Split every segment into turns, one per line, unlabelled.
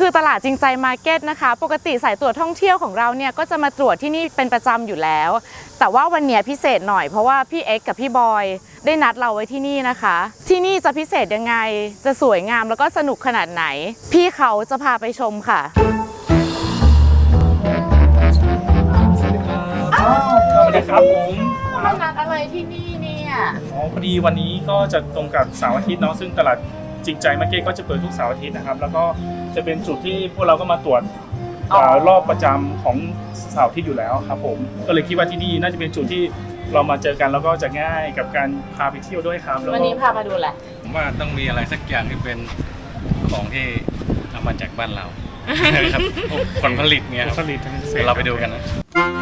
คือตลาดจริงใจมาร์เก็ตนะคะปกติสายตรวจท่องเที่ยวของเราเนี่ยก็จะมาตรวจที่นี่เป็นประจำอยู่แล้วแต่ว่าวันนี้พิเศษหน่อยเพราะว่าพี่เอ็กซ์กับพี่บอยได้นัดเราไว้ที่นี่นะคะที่นี่จะพิเศษยังไงจะสวยงามแล้วก็สนุกขนาดไหนพี่เขาจะพาไปชมค่ะ
สวัสดีครับผม
มานัดอะไรที่นี่เนี่ย
พอดีวันนี้ก็จะตรงกับเสาร์อาทิตย์เนาะซึ่งตลาดจริงใจมาร์เก็ตก็จะเปิดทุกเสาร์อาทิตย์นะครับแล้วก็จะเป็นจุดที่พวกเราก็มาตรวจรอบประจำของเสาร์อาทิตย์อยู่แล้วครับผมก็เลยคิดว่าที่นี่น่าจะเป็นจุดที่เรามาเจอกันแล้วก็จะง่ายกับการพาไปเที่ยวด้วยครับ
วันนี้พามาดูแหละ
ผมว่าต้องมีอะไรสักอย่างที่เป็นของที่เอามาจากบ้านเราครับผลผลิตเนี่ย
ผลผลิต
เราไปดูกันนะ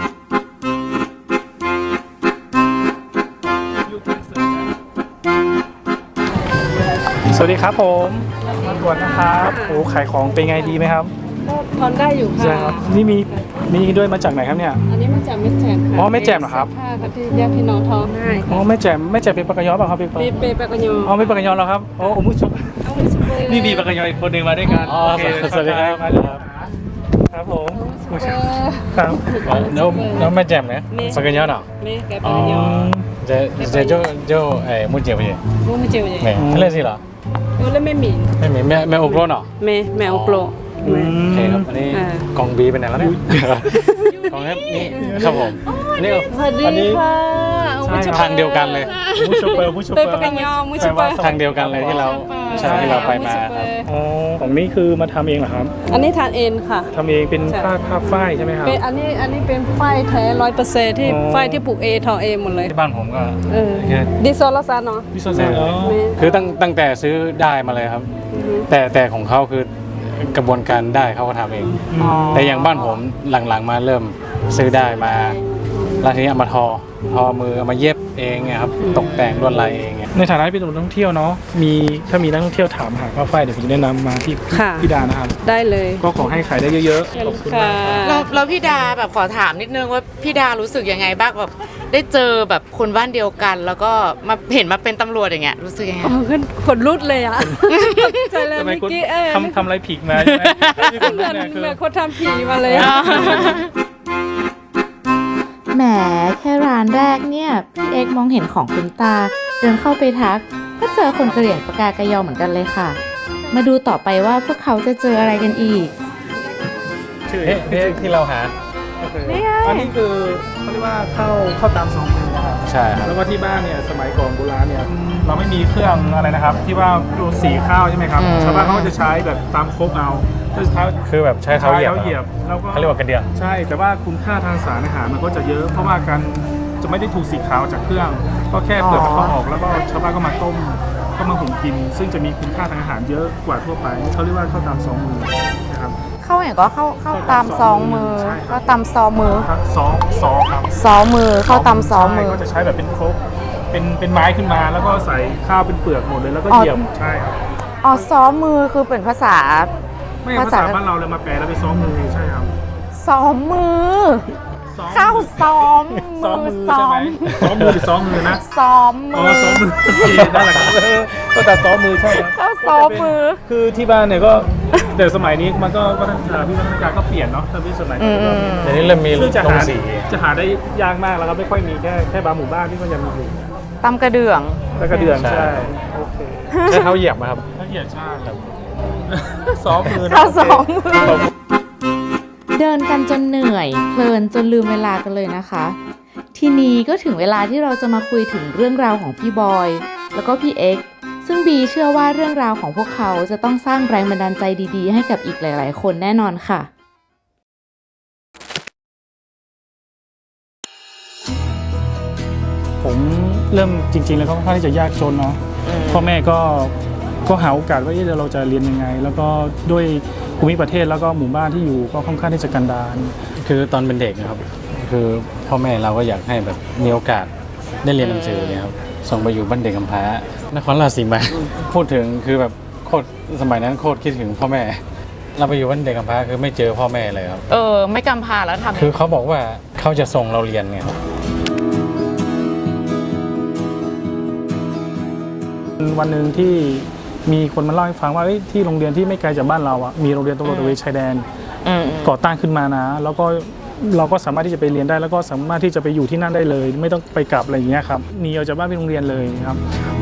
สวัสดีครับผมมาตรวจนะครับโอ้ขายของเป็นไงดีไหมครับ
ก็ทอนได้อยู่ค่ะ
ใช่ครับนี่มีด้วยมาจากไหนครับเนี่ย
อันนี้มาจากแม่แจ่มค่ะ
อ๋อแม่แจ่มเหรอครับ
ผ้าค่ะที่แยกพี่น้องท้องให้
อ๋อแม่แจ่มเป็นปากกยอป่ะครับ
เป็นปากกยอ
อ๋อเป็นปากกยอแล้วครับโอ้มุชนี่มีปากกยออีกคนหนึ่งมาด้วยกันโอเคสวัสดีครับครับผมครับ
แล้วแม่แจ่มเนี่ยปากกยอเนาะ
แม่แกปากกยอ
จะโจ้มุจิมุจิ
มุจิ
แม่อะไรสิเหรอ
แล้วไม่มี
แม่โอโกรเนาะ
แม่โอโกร
โอเคครับอันนี้กองบีเป็นไหนแล้วเนี่ยกองนี่ครับผมนี่
สวัสดีค่ะ
ทางเดียวกันเลย
ผู้ชมเปอร์
เป็นปากกยอมุชเปอร์
ทางเดียวกันเลยที่เราใช่ที่เราไปมาครับ
อ๋อของนี่คือมาทำเองเหรอครับ
อันนี้ทานเองค่ะ
ทำเองเป็นผ้าฝ้ายใช่ไหมครับ
เป็นอันนี้เป็นฝ้ายแท้100%ที่ฝ้ายที่ปลูกเองทอเองหมดเลย
ที่บ้านผมก็
ดิโซลาซานเนาะ
ดิโซลาซาน
คือตั้งแต่ซื้อได้มาเลยครับแต่ของเขาคือกระบวนการได้เขาก็ทำเองแต่อย่างบ้านผมหลังๆมาเริ่มซื้อได้มาแล้วทีนี้เอามาทอมือเอามาเย็บเองไงครับตกแต่งลวดลายเอง
ในฐานะเป็นนักท่องเที่ยวเนาะถ้ามีนักท่องเที่ยวถามหาผ้าฝ้ายเดี๋ยวผมจะแนะนำมาที่พี่ดานะครับ
ได้เลย
ก็ขอให้ขายได้เยอะ
ๆขอบคุณค่ะ
แล้วพี่ดาแบบขอถามนิดนึงว่าพี่ดารู้สึกยังไงบ้างแบบได้เจอแบบคนบ้านเดียวกันแล้วก็มาเห็นมาเป็นตำรวจอย่างเงี้ยรู้สึกยังไง
ขึ้นขนลุกเลยอ่ะใจเลยเมื่อกี้
ทำอะไรผิดมาใช่ไหม
เหมือนคนทำผีมาเลย
แหมแค่ร้านแรกเนี่ยพี่เอ็กมองเห็นของคุณตาเดินเข้าไปทักก็เจอคนกระเหรี่ยงปากากยอเหมือนกันเลยค่ะมาดูต่อไปว่าพวกเขาจะเจออะไรกันอีก
ชื่อที่เราหา
อันนี้คือเขาเรียกว่าเข้าตามซองมือนะครับ
ใช่ครับ
แล้วก็ที่บ้านเนี่ยสมัยก่อนโบราณเนี่ยเราไม่มีเครื่องอะไรนะครับที่ว่าดูสีข้าวใช่ไหมครับชาวบ้านเขาก็จะใช้แบบตามโคกเอา
คือแบบใช้เท้าเหยียบ
แล้วก็
เขาเรียกว่ากระเดื่อง
ใช่แต่ว่าคุณค่าทางสารอาหารมันก็จะเยอะเพราะว่าการจะไม่ได้ถูกสีขาวจากเครื่องก็แค่เปลือกเขาออกแล้วก็ชาวบ้านก็มาต้มก็มาหุงกินซึ่งจะมีคุณค่าทางอาหารเยอะกว่าทั่วไปเขาเรียกว่าข้าวตามซองมือนะครับ
เข้าอย่างก็เข้าตามซองมือเข้าตามซองมือ
ซอครับ
ซอมือเข้าตามซองมือ
ก็จะใช้แบบเป็นครกเป็นไม้ขึ้นมาแล้วก็ใส่ข้าวเป็นเปลือกหมดเลยแล้วก็เหยียบใช่ครับ
อ๋อซอมือคือเป็นภาษา
ไม่ภาษาบ้านเราเลยมาแปลแล้วเป็นซ้อมมือใช่ครับ
ซ้อมมือเข้าซ้อมมือ
ใช่ไหมซ้อมมือหรือซ้อมมือนะ
ซ้อมมือ
ซ้อมมือนั่นแหละครับก็แต่ซ้อมมือใช่ครับ
เข้าซ้อมมือ
คือที่บ้านเนี่ยก็แต่สมัยนี้มันก็วัฒนธรรมก็เปลี่ยนเนาะถ้าพี่สมัยนี้
เดี๋ยวนี้เริ่มมี
ลงสีจะหาได้ยากมากแล้วครับไม่ค่อยมีแค่บางหมู่บ้านที่มันยังมีอยู่
ตำกระเดื่อง
ใช่โอเค
ใช้เท้าเหยียบไหมครับ
เท้าเหยียบใช่ครับซ้อมมือ
เข้าซ้อมมือเดินกันจนเหนื่อยเพลินจนลืมเวลากันเลยนะคะทีนี้ก็ถึงเวลาที่เราจะมาคุยถึงเรื่องราวของพี่บอยแล้วก็พี่เอ็กซ์ซึ่งบีเชื่อว่าเรื่องราวของพวกเขาจะต้องสร้างแรงบันดาลใจดีๆให้กับอีกหลายๆคนแน่นอนค่ะ
ผมเริ่มจริงๆแล้วก็ค่อนข้างที่จะยากจนเนาะพ่อแม่ก็หาโอกาสว่าเราจะเรียนยังไงแล้วก็ด้วยภูมิประเทศแล้วก็หมู่บ้านที่อยู่ก็ค่อนข้างที่จะกันดาร
คือตอนเป็นเด็กนะครับคือพ่อแม่เราก็อยากให้แบบมีโอกาสได้เรียนหนังสือเนี่ยครับส่งไปอยู่บ้านเด็กกำพร้านครราชสีมาพูดถึงคือแบบโคตรสมัยนั้นโคตรคิดถึงพ่อแม่เราไปอยู่บ้านเด็กกำพร้าคือไม่เจอพ่อแม่เลยครับ
ไม่กำพร้าแล้วทำ
คือเขาบอกว่าเขาจะส่งเราเรียนไงครับ
วันหนึ่งที่มีคนมาเล่าให้ฟังว่าที่โรงเรียนที่ไม่ไกลจากบ้านเรามีโรงเรียนตำรวจตระเวนชายแดนก่อตั้งขึ้นมานะแล้วก็เราก็สามารถที่จะไปเรียนได้แล้วก็สามารถที่จะไปอยู่ที่นั่นได้เลย ไม่ต้องไปกลับอะไรอย่างเงี้ยครับหนีออกจากบ้านไปโรงเรียนเลยครับ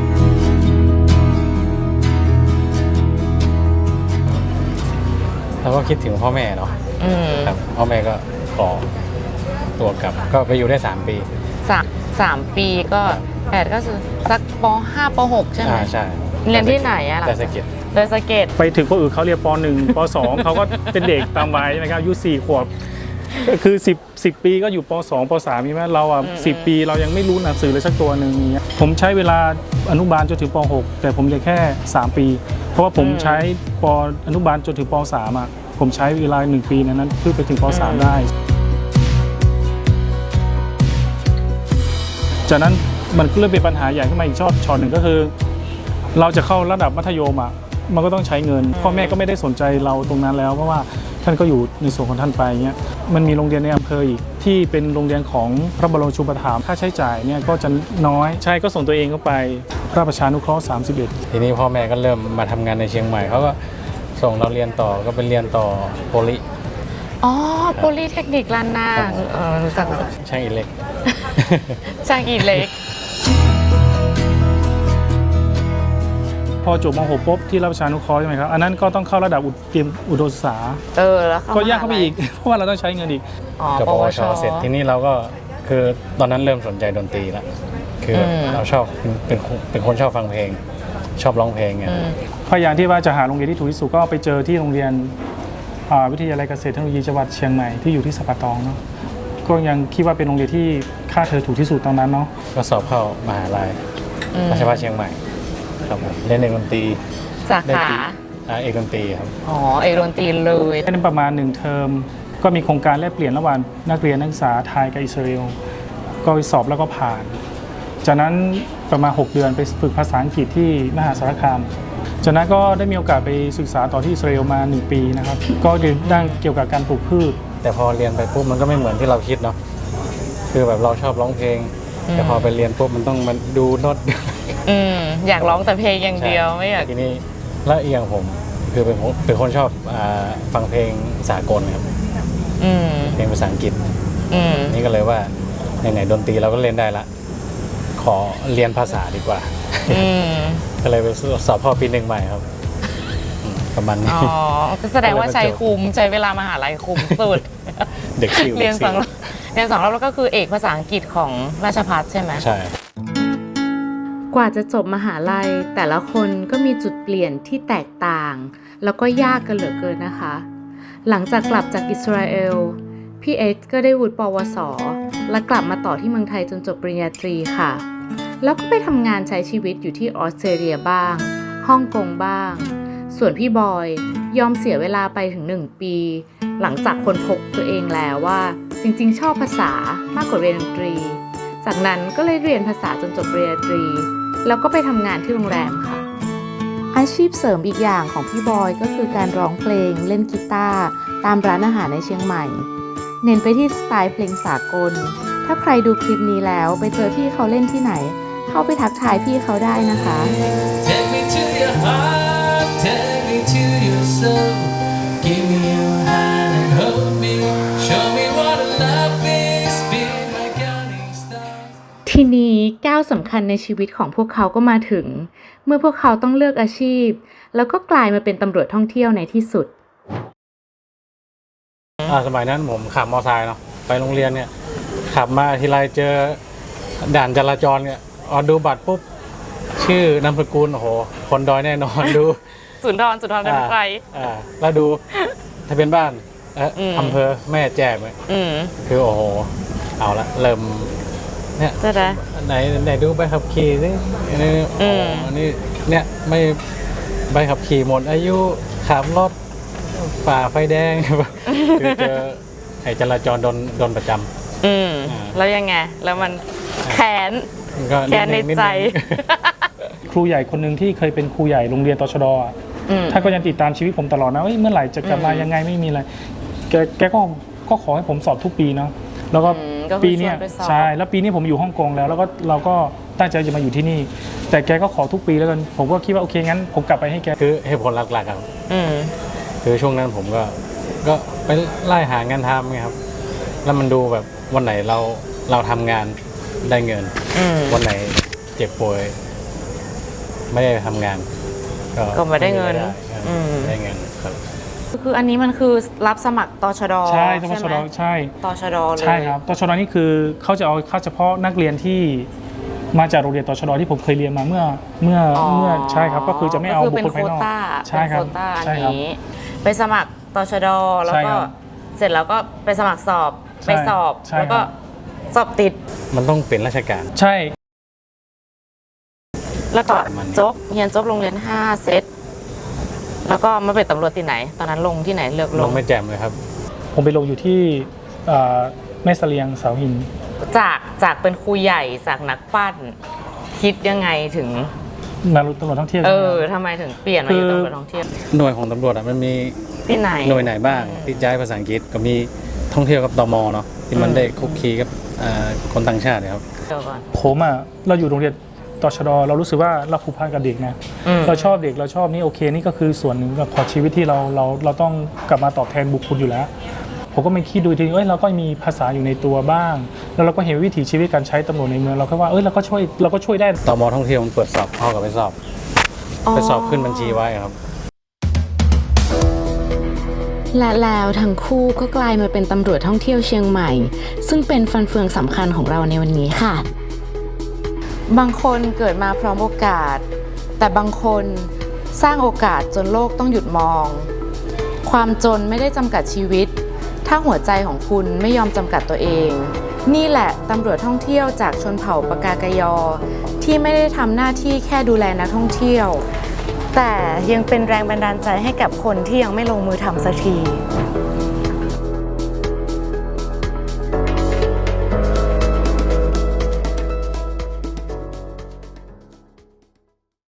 เราก็คิดถึงพ่อแม่เนาะครับพ่อแม่ก็ขอตัวกลับก็ไปอยู่ได้3 ปี
3 ปีก็8ก็คือสักป.5 ป.6 ใช่ไหม
ใช่
เรียนที่ไหนอะ
ดอยสะเก็ด
ไปถึงคนอื่นเขาเรียนป.1 ป.2 เขาก็เป็นเด็กตามวัยใช่ไหมครับอายุ4 ขวบคือ10 ปีก็อยู่ป.2 ป.3ใช่ไหมเรา10 ปีเรายังไม่รู้หนังสือเลยสักตัวหนึ่งอย่างเงี้ยผมใช้เวลาอนุบาลจนถึงป.6 แต่ผมเรียนแค่3 ปีเพราะว่าผมใช้อนุบาลจนถึงป.3ผมใช้เวลา1 ปีนั้นเพื่อไปถึงป.3 ได้จากนั้นมันก็เริ่มเป็นปัญหาใหญ่ขึ้นมาอีกช็อตหนึ่งก็คือเราจะเข้าระดับมัธยมมันก็ต้องใช้เงินพ่อแม่ก็ไม่ได้สนใจเราตรงนั้นแล้วเพราะว่าท่านก็อยู่ในส่วนของท่านไปเงี้ยมันมีโรงเรียนในอำเภออีกที่เป็นโรงเรียนของพระบรมชูปถัมภ์ค่าใช้จ่ายเนี่ยก็จะน้อยใช่ก็ส่งตัวเองเข้าไปพระประชานุเคราะห์31
ทีนี้พ่อแม่ก็เริ่มมาทำงานในเชียงใหม่เขาก็ส่งเราเรียนต่อก็เป็นเรียนต่อโพลิ
โพลีเทคนิคล้านนารู้จัก
ช่างอิเล็ก
ช่างอิเล็ก
พอจบม.6 ปุ๊บที่รับประชานุเคราะห์ใช่ไหมครับอันนั้นก็ต้องเข้าระดับเตรียมอุดมศึกษา
แล้ว
ก็ยากเข้าไปอีกเพราะว่าเราต้องใช้เงินอีก
จบปวชเสร็จทีนี้เราก็คือตอนนั้นเริ่มสนใจดนตรีแล้วคือเราชอบเป็นคนชอบฟังเพลงชอบร้องเพลงไง
พยายามที่ว่าจะหาโรงเรียนที่ถูกที่สุดก็ไปเจอที่โรงเรียนวิทยาลัยเกษตรเทคโนโลยีจังหวัดเชียงใหม่ที่อยู่ที่สัปตองเนาะก็ยังคิดว่าเป็นโรงเรียนที่ค่าเทอมถูกที่สุดตอนนั้นเนาะ
ก็สอบเข้ามหาลัยราชภัฏเชียงใหม่ครับเล่นเอกดนตรี
สาขา
เอกดนตรีครับ
เอกดนตรีเลย
เล่นประมาณ1 เทอมก็มีโครงการแลกเปลี่ยนระหว่างนักเรียนนักศึกษาไทยกับอิสราเอลก็ไปสอบแล้วก็ผ่านจากนั้นประมาณ6 เดือนไปฝึกภาษาอังกฤษที่มหาสารคามจากนั้นก็ได้มีโอกาสไปศึกษาต่อที่อิสราเอลมา1 ปีนะครับก็เรียนด้านเกี่ยวกับการปลูกพืช
แต่พอเรียนไปปุ๊บมันก็ไม่เหมือนที่เราคิดเนาะคือแบบเราชอบร้องเพลงแต่พอไปเรียนปุ๊บมันต้องมาดูโน้ต
อยากร้องแต่เพลงอย่างเดียวไม่อยาก
ทีนี้แล้วอีกอย่างผมคือเป็นคนชอบฟังเพลงสากลครับเพลงภาษาอังกฤษนี่ก็เลยว่าไหนๆดนตรีเราก็เล่นได้ละขอเรียนภาษาดีกว่าก็เลยไปสอบเข้าปี 1 ใหม่ครับประมาณนี้
ก็แสดงว่าใช้เวลามหาลัยคุ้มสุด
เด็ก
เรียน2 รอบแล้วก็คือเอกภาษาอังกฤษของราชภัฏใช่ไหม
ใช่
กว่าจะจบมหาลัยแต่ละคนก็มีจุดเปลี่ยนที่แตกต่างแล้วก็ยากกันเหลือเกินนะคะหลังจากกลับจากอิสราเอลพี่เอ็กซ์ก็ได้วุฒิปวสและกลับมาต่อที่เมืองไทยจนจบปริญญาตรีค่ะแล้วก็ไปทำงานใช้ชีวิตอยู่ที่ออสเตรเลียบ้างฮ่องกงบ้างส่วนพี่บอยยอมเสียเวลาไปถึง1 ปีหลังจากค้นพบตัวเองแล้วว่าจริงๆชอบภาษามากกว่าเรียนดนตรีจากนั้นก็เลยเรียนภาษาจนจบปริญญาตรีแล้วก็ไปทำงานที่โรงแรมค่ะอาชีพเสริมอีกอย่างของพี่บอยก็คือการร้องเพลงเล่นกีตาร์ตามร้านอาหารในเชียงใหม่เน้นไปที่สไตล์เพลงสากลถ้าใครดูคลิปนี้แล้วไปเจอพี่เขาเล่นที่ไหนเข้าไปทักทายพี่เขาได้นะคะ Take me to your heart, take me to your soul, give me your hand and hold me, show me what love is, be my guiding star ทีนี้ก้าวสำคัญในชีวิตของพวกเขาก็มาถึงเมื่อพวกเขาต้องเลือกอาชีพแล้วก็กลายมาเป็นตำรวจท่องเที่ยวในที่สุด
สมัยนั้นผมขับมอเตอร์ไซค์เนาะไปโรงเรียนเนี่ยขับมาทีไรเจอด่านจราจรเนี่ยดูบัตรปุ๊บชื่อนามสกุลโอ้โหคนดอยแน่นอนดู
สุนทรเป็นใคร
แล้วดูทะเบียนบ้านอำเภอแม่แจ่มคือโอ้โหเอาละเริ่มเนี่ยไหนดูใบขับขี่สิอันนี้เนี่ยไม่ใบขับขี่หมดอายุขับรถฝ่าไฟแดงคือเจอไอ้จราจรโดนประจำ
แล้วยังไงแล้วมันแค้นในใจ
ครูใหญ่คนหนึ่งที่เคยเป็นครูใหญ่โรงเรียนตชด.ท่านก็ยังติดตามชีวิตผมตลอดนะเมื่อไหร่จะกลับมายังไงไม่มีอะไรแกก็ขอให้ผมสอบทุกปีเนาะแล้วก็ปีนี้ใช่แล้วปีนี้ผมอยู่ฮ่องกงแล้วก็เราก็ตั้งใจจะมาอยู่ที่นี่ แต่แกก็ขอทุกปีแล้วกันผมก็คิดว่าโอเคงั้นผมกลับไปให้แก
คือเหตุผลหลักๆครับ
อืม
คือช่วงนั้นผมก็ไปไล่หางานทำไงครับ แล้วมันดูแบบวันไหนเราทำงานได้เงิน
อืม
วันไหนเจ็บป่วยไม่ได้ทำงาน
ก็ไม่ได้เงิน อืม
ได้เงินครับ
คืออันนี้มันคือรับสมัครตชด
ใช่ตช
ไห
ด
ม
ใช่
ตชดเลย
ใช่ครับตชดนี่คือเขาจะเอาเข้าเฉพาะนักเรียนที่มาจากโรงเรียนตชดที่ผมเคยเรียนมาเมื่อใช่ครับก็คือจะไม่เอา
ก็
บุ
คือ
คคลภายนอก
เป็นโควต้า
ใช่ครับ
เป็นโควต้าอัน
ใช่ครับ
นี้ ไปสมัครตชดแล้ว
ใช่
ก็
ครับ
เสร็จแล้วก็ไปสมัครสอบ
ใช่
ไปสอบ
ใช่
แล้วก็
ครับ
สอบติด
มันต้องเป็นราชการ
ใช่
แล้วก็
ประมาณนี้
จบเรียนจบโรงเรียน5 เซตแล้วก็มาเป็นตำรวจที่ไหน ตอนนั้นลงที่ไหนเลือกล
ล
ง
งไม่แจ่มเลยครับ
ผมไปลงอยู่ที่แม่เสลียงเสาหิน
จากเป็นครูใหญ่จากนักปั้นคิดยังไงถึง
มาตำรวจท่องเที่ยว
ทำไมถึงเปลี่ยนมาอยู่ตำรวจท่องเที่ยว
หน่วยของตำรวจมันมี
ที่ไหน
หน่วยไหนบ้างที่ใช้ภาษาอังกฤษก็มีท่องเที่ยวกับตมเนาะที่มันได้คุกคีกับคนต่างชาตินะครับ
เดี๋ยวก่อน
ผมเราอยู่โรงเรียนตชดเรารู้สึกว่าเราผูกพันกับเด็กนะ
อืม
เราชอบเด็กเราชอบนี่โอเคนี่ก็คือส่วนหนึ่งของชีวิตที่เราต้องกลับมาตอบแทนบุคคลอยู่แล้ว ผมก็ไม่คิดดูทีนี้เราก็มีภาษาอยู่ในตัวบ้าง แล้วเราก็เห็นวิถีชีวิตการใช้ตำรวจในเมืองเราก็ว่าเราก็ช่วยได้
ตมท่องเที่ยวมันเปิดสอบเข้ากับไปสอบขึ้นบัญชีไว้ครับ
และแล้วทั้งคู่ก็กลายมาเป็นตำรวจท่องเที่ยวเชียงใหม่ ซึ่งเป็นฟันเฟืองสำคัญของเราในวันนี้ค่ะ บางคนเกิดมาพร้อมโอกาส แต่บางคนสร้างโอกาสจนโลกต้องหยุดมอง ความจนไม่ได้จำกัดชีวิต ถ้าหัวใจของคุณไม่ยอมจำกัดตัวเอง นี่แหละตำรวจท่องเที่ยวจากชนเผ่าปากากยอ ที่ไม่ได้ทำหน้าที่แค่ดูแลนักท่องเที่ยว แต่ยังเป็นแรงบันดาลใจให้กับคนที่ยังไม่ลงมือทำสักที